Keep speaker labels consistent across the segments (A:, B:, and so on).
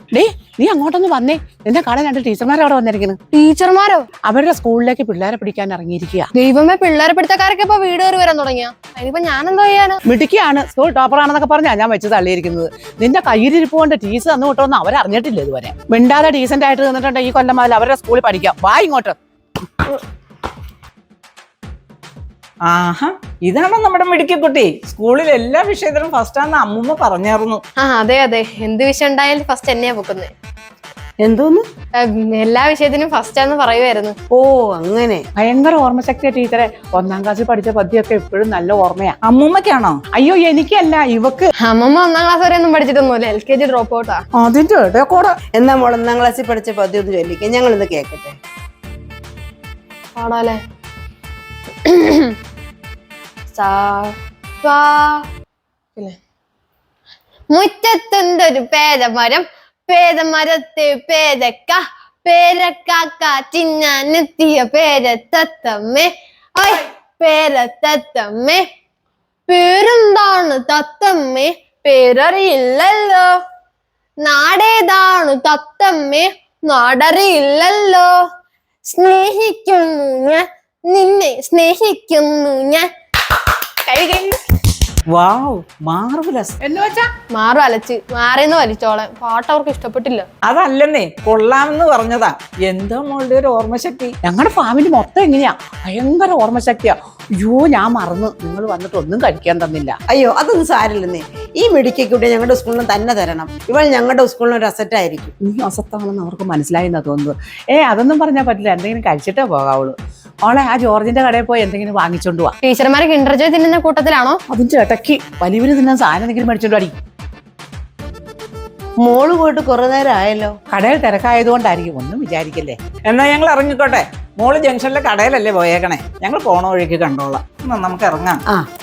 A: Day നീ അങ്ങോട്ടൊന്ന് വന്നേ. നിന്റെ കാണാൻ 2 ടീച്ചർമാർ അവിടെ വന്നിരിക്കുന്നു.
B: ടീച്ചർമാരോ?
A: അവരുടെ സ്കൂളിലേക്ക് പിള്ളേരെ പിടിക്കാൻ ഇറങ്ങിയിരിക്കുക.
B: ദൈവമേ, പിള്ളേരെ പിടുത്തക്കാരൊക്കെ ഇപ്പൊ വീട് കയറി വരാൻ തുടങ്ങിയ. അതിനിപ്പോ ഞാൻ എന്താ ചെയ്യാനാ?
A: മിടുക്കിയാണ്, സ്കൂൾ ടോപ്പറാണെന്നൊക്കെ പറഞ്ഞാ ഞാൻ വെച്ച് തള്ളിയിരിക്കുന്നത്. നിന്റെ കയ്യിലിരിപ്പ് കൊണ്ട് ടീച്ചർ തന്നു വിട്ടോന്ന് അവരറിഞ്ഞിട്ടില്ല ഇതുവരെ. മിണ്ടാതെ ഡീസന്റ് ആയിട്ട് നിന്നിട്ടുണ്ട് ഈ കൊല്ലം മുതൽ അവരുടെ സ്കൂളിൽ പഠിക്കാം. വാ ഇങ്ങോട്ട്.
C: ആഹാ, ഇതാണോ നമ്മുടെ മിടുക്കിക്കുട്ടി? സ്കൂളിൽ എല്ലാ വിഷയത്തിലും ഫസ്റ്റാന്ന് അമ്മൂമ്മ പറഞ്ഞായിരുന്നു.
B: അതെ അതെ, എന്ത് വിഷയം ഉണ്ടായാലും ഫസ്റ്റ് എന്നെയാ പൊക്കുന്നത്.
D: എന്തോന്ന്?
B: എല്ലാ വിഷയത്തിനും ഫസ്റ്റ് ആന്ന് പറയുമായിരുന്നു.
D: ഓ അങ്ങനെ.
A: ഭയങ്കര ഓർമ്മശക്തിയ ടീച്ചറെ. 1ാം ക്ലാസ്സിൽ പഠിച്ച പദ്യമൊക്കെ എപ്പോഴും നല്ല ഓർമ്മയാ.
C: അമ്മൂമ്മക്കാണോ?
A: അയ്യോ എനിക്കല്ല, ഇവക്ക്.
B: അമ്മമ്മ 1ാം ക്ലാസ് വരെ ഒന്നും പഠിച്ചിട്ടൊന്നുമില്ല, LKG ഡ്രോപ്പ് ഔട്ടാ.
A: അതിന്റെ ഇടയക്കൂടെ.
D: എന്നാ മോൾ 1ാം ക്ലാസ്സിൽ പഠിച്ച പദ്യം ഒന്ന് ചൊല്ലിക്കാം, ഞങ്ങൾ ഇന്ന് കേക്കട്ടെ.
B: പാടാലേ? മുറ്റത്തുണ്ടൊരു പേരമരം, പേരമരത്തെ പേരക്ക, പേരക്കാക്ക തിന്നാനെത്തിയ പേരത്തത്തമ്മേ. പേരത്തത്തമ്മേ, പേരെന്താണ് തത്തമ്മേ? പേരറിയില്ലല്ലോ. നാടേതാണ് തത്തമ്മേ? നാടറിയില്ലല്ലോ. സ്നേഹിക്കുന്നു ഞാൻ നിന്നെ, സ്നേഹിക്കുന്നു ഞാൻ.
C: Wow, marvellous.
A: എന്ന് വെച്ചാ
B: മാറും അലച്ച് മാറിന്ന് വലിച്ചോളാം. പാട്ട് അവർക്ക് ഇഷ്ടപ്പെട്ടില്ല.
C: അതല്ലെന്നേ, കൊള്ളാമെന്ന് പറഞ്ഞതാ. എന്താ മോളുടെ ഒരു ഓർമ്മശക്തി?
A: ഞങ്ങളുടെ ഫാമിലി മൊത്തം എങ്ങനെയാ, ഭയങ്കര ഓർമ്മശക്തിയാ. അയ്യോ ഞാൻ മറന്നു, നിങ്ങൾ വന്നിട്ട് ഒന്നും കഴിക്കാൻ തന്നില്ല.
D: അയ്യോ അതൊന്നും സാരില്ലെന്നേ. ഈ മിടുക്കിക്കൂട്ടി ഞങ്ങളുടെ സ്കൂളിന് തന്നെ തരണം. ഇവൾ ഞങ്ങളുടെ സ്കൂളിന് ഒരു അസറ്റ് ആയിരിക്കും.
A: നീ അസത്താണെന്ന് അവർക്ക് മനസ്സിലായി എന്നാ തോന്നുന്നത്. അതൊന്നും പറഞ്ഞാൽ പറ്റില്ല, എന്തെങ്കിലും കഴിച്ചിട്ടേ പോകാവുള്ളൂ. ഓളെ ആ ജോർജിന്റെ കടയിൽ പോയി എന്തെങ്കിലും വാങ്ങിച്ചോണ്ട് പോവാ.
B: ടീച്ചർമാരെ കിൻഡർ ജോയ് തിന്നുന്ന കൂട്ടത്തിലാണോ?
A: അതിന്റെ ഇടയ്ക്ക് വലിയ തിന്നാൻ സാധനം എന്തെങ്കിലും മേടിച്ചോണ്ട് അടി.
D: മോള് പോയിട്ട് കുറെ നേരം ആയല്ലോ.
A: കടയിൽ തിരക്കായതുകൊണ്ടായിരിക്കും, ഒന്നും വിചാരിക്കല്ലേ.
C: എന്നാ ഞങ്ങൾ ഇറങ്ങിക്കോട്ടെ. മോള് ജംഗ്ഷനിലെ കടയിലല്ലേ പോയേക്കണേ, ഞങ്ങൾ പോണ വഴിക്ക് കണ്ടോളാം. എന്നാ നമുക്ക് ഇറങ്ങാം.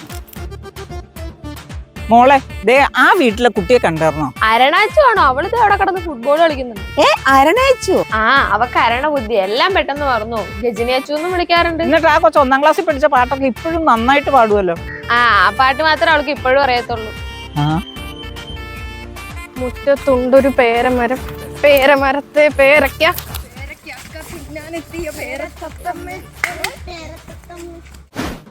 C: മോളെ, ദേ ആ വീട്ടിലെ കുട്ടിയെ കണ്ടിരുന്നോ?
B: അരണാച്ചു ആണോ? അവളിത് അവിടെ കിടന്ന് ഫുട്ബോൾ കളിക്കുന്നുണ്ട്.
D: അരണയച്ചു?
B: അവക്ക് അരണ ബുദ്ധി, എല്ലാം പെട്ടെന്ന് മറന്നു. ഗജിനിയച്ചു എന്നും വിളിക്കാറുണ്ട്.
C: എന്നിട്ട് ആ കൊച്ചു 1ാം ക്ലാസ്സിൽ പഠിച്ച പാട്ടൊക്കെ ഇപ്പോഴും നന്നായിട്ട് പാടുമല്ലോ.
B: ആ പാട്ട് മാത്രമേ അവൾക്ക് ഇപ്പോഴും അറിയത്തുള്ളൂ. മുറ്റത്തുണ്ടൊരു പേരമരം, പേരമരത്തെ പേരക്ക, പേരക്ക തിന്നാനെത്തിയ പേരത്തത്തമ്മേ.